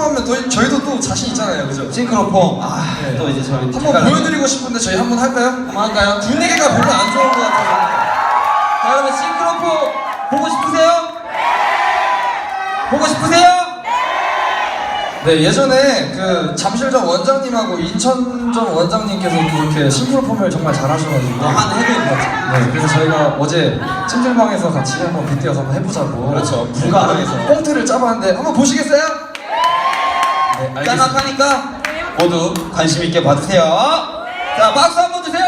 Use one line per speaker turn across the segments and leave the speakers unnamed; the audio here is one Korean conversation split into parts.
싱크로폼 하면 저희도 또 자신 있잖아요, 그죠?
싱크로폼.
네.
또 이제 저희
한번 보여드리고 싶은데 저희 한번 할까요?
한번 할까요?
분위기가 별로 안 좋은 것 같아요.
자, 여러분 싱크로폼 보고 싶으세요? 보고 싶으세요?
네, 예전에 그 잠실점 원장님하고 인천점 원장님께서 이렇게 싱크로폼을 정말 잘하셔가지고
한 해외
네, 그래서 저희가 어제 찜질방에서 같이 한번 빗대어서 한번 해보자고.
그렇죠.
불가능해서 꽁트를 짜봤는데 한번 보시겠어요? 네, 알겠습니다.
짤막하니까 모두 관심 있게 봐주세요. 자, 박수 한번 주세요.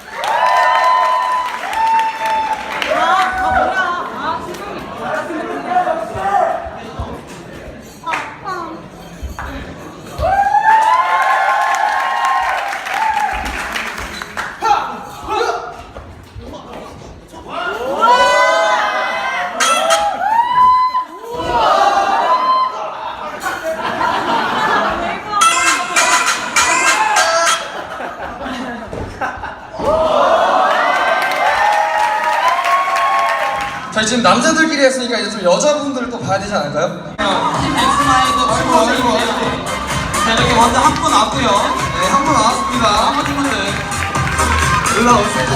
저희 지금 남자들끼리 했으니까 이제 좀 여자분들을 또 봐야 되지 않을까요?
팀 엑스마이도 축하드리고요. 자, 이렇게 먼저 한 분 왔고요.
네, 한 분 나왔습니다.
나머지 분들
올라오세요.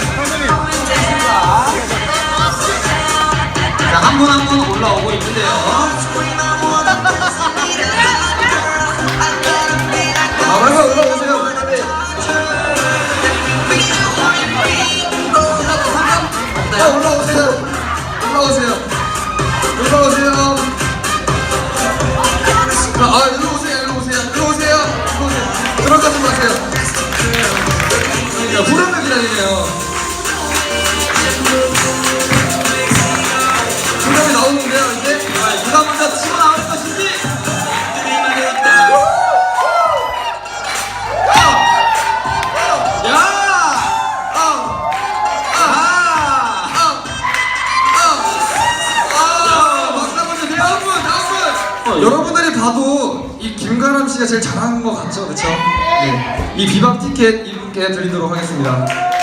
자, 한 분 한 분 올라오고 있는데요.
빨리 올라오세요. 올라오세요. 올라오세요. 올라오세요. 일로 오세요. 일로 오세요. 일로 오세요. 일로 오세요. 들어가지 마세요. 야, 후렴을 기다리네요. 후렴이 나오는데요, 이제?
누가 먼저 치고 나올 것인지.
여러분들이 봐도 이 김가람 씨가 제일 잘하는 것 같죠, 그렇죠? 네. 이 비박 티켓 이분께 드리도록 하겠습니다.